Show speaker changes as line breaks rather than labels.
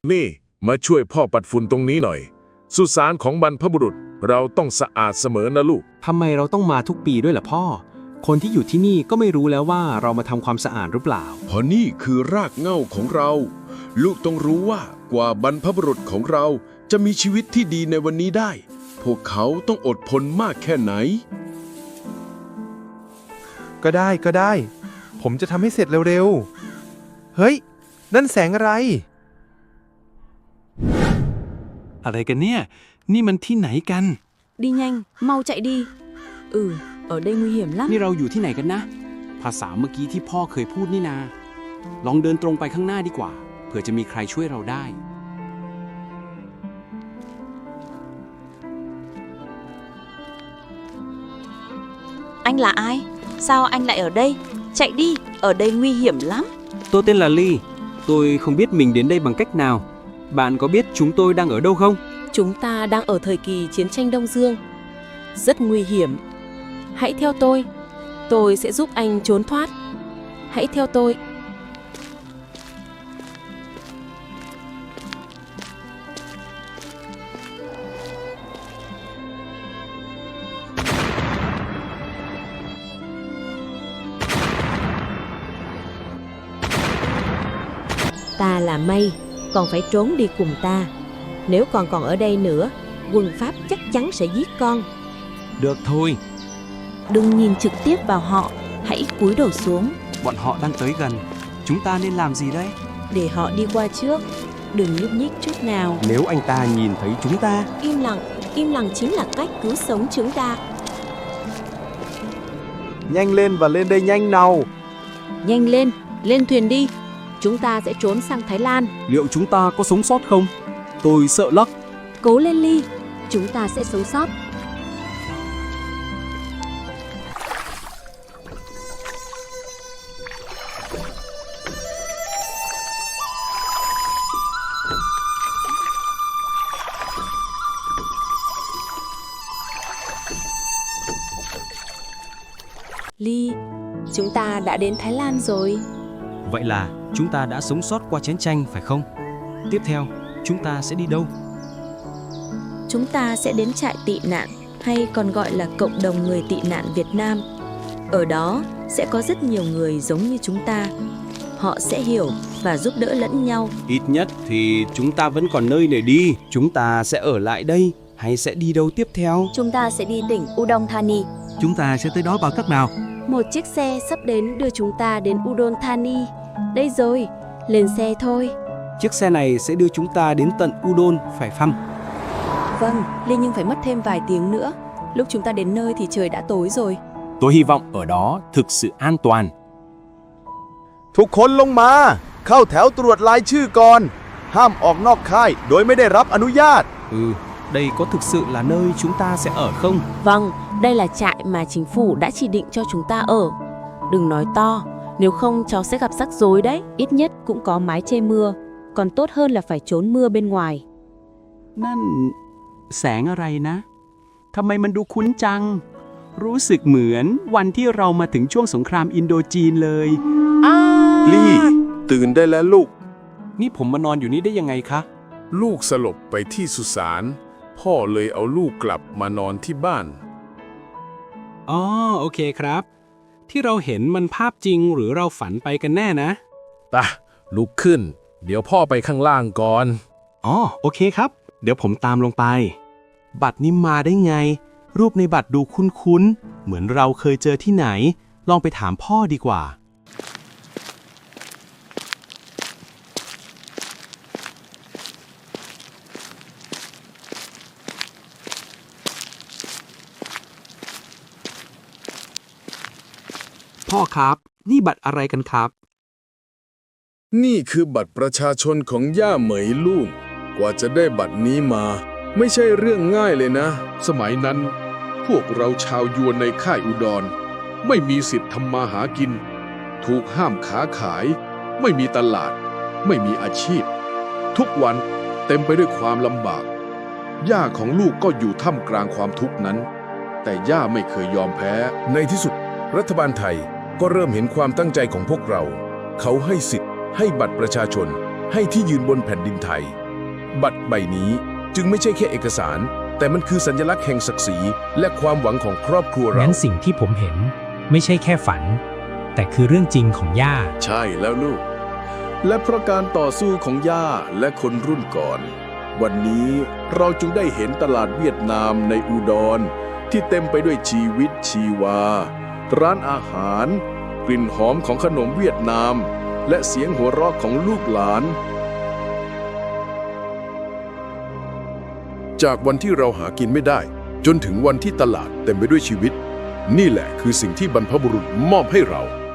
นี่มาช่วยพ่อปัดฝุ่นตรงนี้หน่อยสุสานของบรรพบุรุษเราต้องสะอาดเสมอนะลูก
ทำไมเราต้องมาทุกปีด้วยล่ะพ่อ คนที่อยู่ที่นี่ก็ไม่รู้แล้วว่าเรามาทำความสะอาดหรือเปล่า
เพราะนี่คือรากเหง้าของเรา ลูกต้องรู้ว่ากว่าบรรพบุรุษของเราจะมีชีวิตที่ดีในวันนี้ได้ พวกเขาต้องอดทนมากแค่ไหน
ก็ได้ ผมจะทำให้เสร็จเร็วๆ เฮ้ย นั่นแสงอะไร
อะไรกันเนี่ย นี่มันที่ไหนกัน
Đi nhanh, mau chạy đi. Ở đây nguy hiểm lắm.
นี่เราอยู่ที่ไหนกันนะ ภาษาเมื่อกี้ที่พ่อเคยพูดนี่นา ลองเดินตรงไปข้างหน้าดีกว่า เผื่อจะมีใครช่วยเราได้
Anh là ai? Sao anh lại ở đây? Chạy đi, ở đây nguy hiểm lắm.
Tôi tên là Ly. Tôi không biết mình đến đây bằng cách nào. Bạn có biết chúng tôi đang ở đâu không?
Chúng ta đang ở thời kỳ chiến tranh Đông Dương. Rất nguy hiểm. Hãy theo tôi sẽ giúp anh trốn thoát. Hãy theo tôi.
Ta là Mây, con phải trốn đi cùng ta. Nếu con còn ở đây nữa, quân Pháp chắc chắn sẽ giết con.
Được thôi.
Đừng nhìn trực tiếp vào họ, hãy cúi đầu xuống.
Bọn họ đang tới gần. Chúng ta nên làm gì đây?
Để họ đi qua trước, đừng nhúc nhích chút nào.
Nếu anh ta nhìn thấy chúng ta,
Im lặng chính là cách cứu sống chúng ta.
Nhanh lên và lên đây nhanh nào.
Nhanh lên, lên thuyền đi. Chúng ta sẽ trốn sang Thái Lan.
liệu chúng ta có sống sót không? Tôi sợ lắm.
Cố lên Ly, chúng ta sẽ sống sót.
Ly, chúng ta đã đến Thái Lan rồi.
Vậy là chúng ta đã sống sót qua chiến tranh phải không? Tiếp theo, chúng ta sẽ đi đâu?
Chúng ta sẽ đến trại tị nạn, hay còn gọi là cộng đồng người tị nạn Việt Nam. Ở đó sẽ có rất nhiều người giống như chúng ta. Họ sẽ hiểu và giúp đỡ lẫn nhau.
Ít nhất thì chúng ta vẫn còn nơi để đi. Chúng ta sẽ ở lại đây hay sẽ đi đâu tiếp theo?
Chúng ta sẽ đi tỉnh Udon Thani.
Chúng ta sẽ tới đó bằng cách nào?
Một chiếc xe sắp đến đưa chúng ta đến Udon Thani. Đây rồi, lên xe thôi.
Chiếc xe này sẽ đưa chúng ta đến tận Udon, phải không?
Vâng, Ly nhưng phải mất thêm vài tiếng nữa. Lúc chúng ta đến nơi thì trời đã tối rồi.
Tôi hy vọng ở đó thực sự an toàn.
ทุกคนลงมา เข้าแถวตรวจรายชื่อก่อน ห้ามออกนอกค่ายโดยไม่ได้รับอนุญาต
Đây có thực sự là nơi chúng ta sẽ ở không?
Vâng, đây là trại mà chính phủ đã chỉ định cho chúng ta ở. Đừng nói to, nếu không cháu sẽ gặp rắc rối đấy.
Ít nhất cũng có mái che mưa. Còn tốt hơn là phải trốn mưa bên ngoài.
นั่นแสงอะไรนะ ทำไมมันดูคุ้นจัง รู้สึกเหมือนวันที่เรามาถึงช่วงสงครามอินโดจีนเลย
ลี่ตื่นได้แล้วลูก
นี่ผมมานอนอยู่นี่ได้ยังไงคะ
ลูกสลบไปที่สุสานพ่อเลยเอาลูกกลับมานอนที่บ้าน
อ๋อ โอเคครับ ที่เราเห็นมันภาพจริงหรือเราฝันไปกันแน่นะ
ตะลุกขึ้น เดี๋ยวพ่อไปข้างล่างก่อน
อ๋อ โอเคครับ เดี๋ยวผมตามลงไป บัตรนี้มาได้ไง รูปในบัตรดูคุ้นๆ เหมือนเราเคยเจอที่ไหน ลองไปถามพ่อดีกว่า พ่อครับ นี่บัตรอะไรกันครับ
นี่คือบัตรประชาชนของย่าเหมยลูกกว่าจะได้บัตรนี้มา ไม่ใช่เรื่องง่ายเลยนะ
สมัยนั้นพวกเราชาวยวนในค่ายอุดรไม่มีสิทธิ์ทำมาหากิน ถูกห้ามค้าขาย ไม่มีตลาด ไม่มีอาชีพ ทุกวันเต็มไปด้วยความลำบาก ย่าของลูกก็อยู่ท่ามกลางความทุกข์นั้น แต่ย่าไม่เคยยอมแพ้
ในที่สุดรัฐบาลไทยก็เริ่มเห็นความตั้งใจของพวกเรา เขาให้สิทธิ์ให้บัตรประชาชนให้ที่ยืนบนแผ่นดินไทย บัตรใบนี้จึงไม่ใช่แค่เอกสาร แต่มันคือสัญลักษณ์แห่งศักดิ์ศรีและความหวังของครอบครัวเรา
งั้นสิ่งที่ผมเห็นไม่ใช่แค่ฝัน แต่คือเรื่องจริงของย่า
ใช่แล้วลูก และเพราะการต่อสู้ของย่าและคนรุ่นก่อน วันนี้เราจึงได้เห็นตลาดเวียดนามในอุดรที่เต็มไปด้วยชีวิตชีวา ร้านอาหาร กลิ่นหอมของขนมเวียดนาม และเสียงหัวเราะของลูกหลาน จากวันที่เราหากินไม่ได้ จนถึงวันที่ตลาดเต็มไปด้วยชีวิต นี่แหละคือสิ่งที่บรรพบุรุษมอบให้เรา